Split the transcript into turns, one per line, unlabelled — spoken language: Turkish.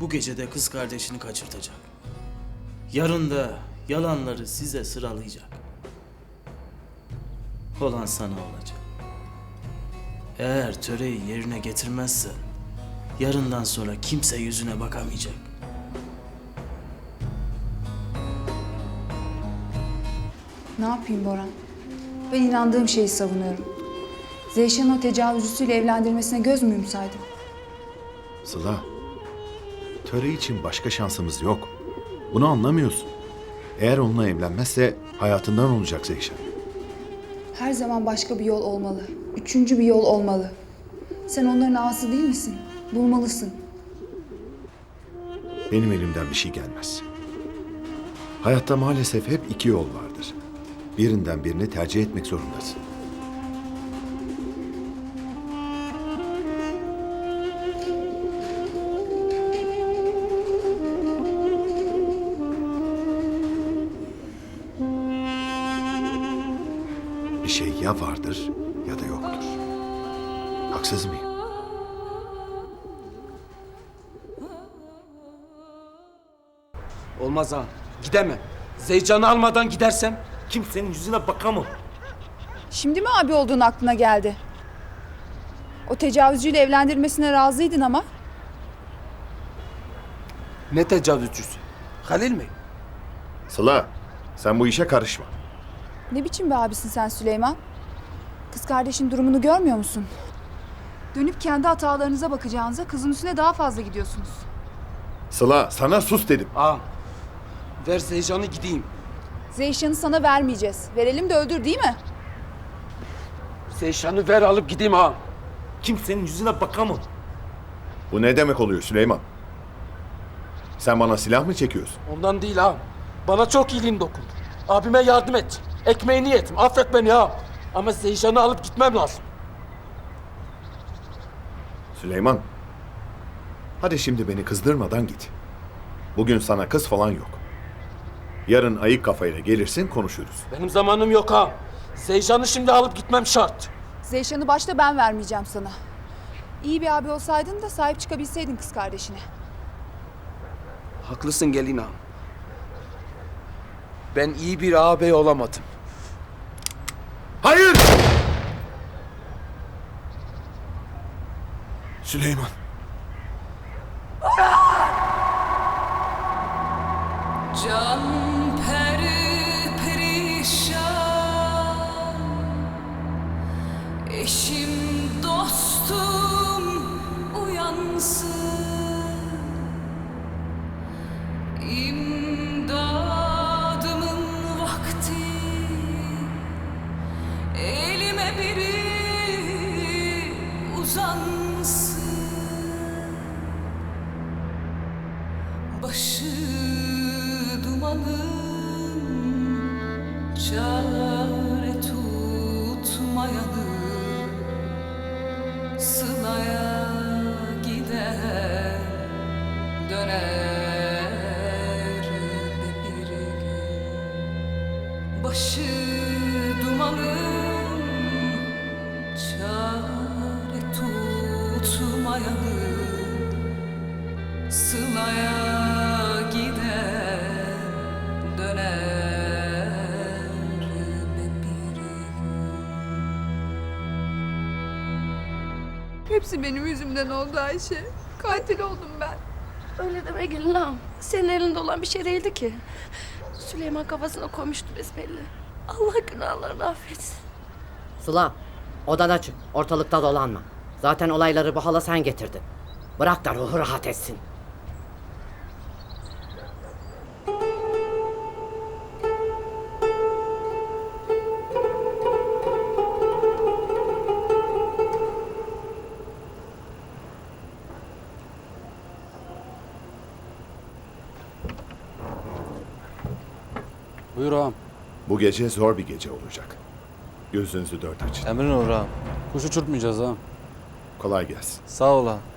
bu gece de kız kardeşini kaçırtacak. Yarın da yalanları size sıralayacak. Olan sana olacak. Eğer töreyi yerine getirmezsen yarından sonra kimse yüzüne bakamayacak.
Ne yapayım Boran? Ben inandığım şeyi savunuyorum. Zeyşan'ı o tecavüzcüsüyle evlendirmesine göz müyüm saydım?
Sıla, töre için başka şansımız yok. Bunu anlamıyorsun. Eğer onunla evlenmezse hayatından olacak Zeyşan.
Her zaman başka bir yol olmalı. Üçüncü bir yol olmalı. Sen onların ağası değil misin? Bulmalısın.
Benim elimden bir şey gelmez. Hayatta maalesef hep iki yol vardır. Birinden birini tercih etmek zorundasın. Bir şey ya vardır ya da yoktur. Haksız mıyım?
Olmaz ha. Gidemem. Zeycan'ı almadan gidersem kimsenin yüzüne bakamam.
Şimdi mi abi olduğun aklına geldi? O tecavüzcüyle evlendirmesine razıydın ama.
Ne tecavüzcüsü? Halil mi?
Sıla, sen bu işe karışma.
Ne biçim bir abisin sen Süleyman? Kız kardeşin durumunu görmüyor musun? Dönüp kendi hatalarınıza bakacağınıza kızın üstüne daha fazla gidiyorsunuz.
Sıla, sana sus dedim.
Ağam. Ver Zeycan'ı gideyim.
Zeyşan'ı sana vermeyeceğiz. Verelim de öldür değil mi?
Zeyşan'ı ver alıp gideyim ağam. Kimsenin yüzüne bakamam.
Bu ne demek oluyor Süleyman? Sen bana silah mı çekiyorsun?
Ondan değil ağam. Bana çok iyiliğin dokundu. Abime yardım et. Ekmeğini yetim. Affet beni ağam. Ama Zeyşan'ı alıp gitmem lazım.
Süleyman, hadi şimdi beni kızdırmadan git. Bugün sana kız falan yok. Yarın ayık kafayla gelirsin, konuşuruz.
Benim zamanım yok ağam. Zeyşan'ı şimdi alıp gitmem şart.
Zeyşan'ı başta ben vermeyeceğim sana. İyi bir abi olsaydın da sahip çıkabilseydin kız kardeşine.
Haklısın gelin ağam. Ben iyi bir ağabey olamadım.
Hayır! Süleyman.
Can peri perişan, eşim dostum uyansın, imdadımın vakti, elime biri uzansın. Başı dumanın çare tutmayanı, Sıla'ya gider döner bir gün. Başı dumanın çare tutmayanı, Sıla'ya gider döner bir gün.
Hepsi benim yüzümden oldu Ayşe. Katil oldum ben.
Öyle deme gelin ağam. Senin elinde olan bir şey değildi ki. Süleyman kafasına koymuştu besbelli. Allah günahlarını affetsin.
Sıla, odana çık. Ortalıkta dolanma. Zaten olayları bu hala sen getirdin. Bırak da ruhu rahat etsin.
Buyur ağam.
Bu gece zor bir gece olacak. Gözünüzü dört açın.
Emrin olur ağam. Kuş uçurtmayacağız ağam.
Kolay gelsin.
Sağ ol ağam.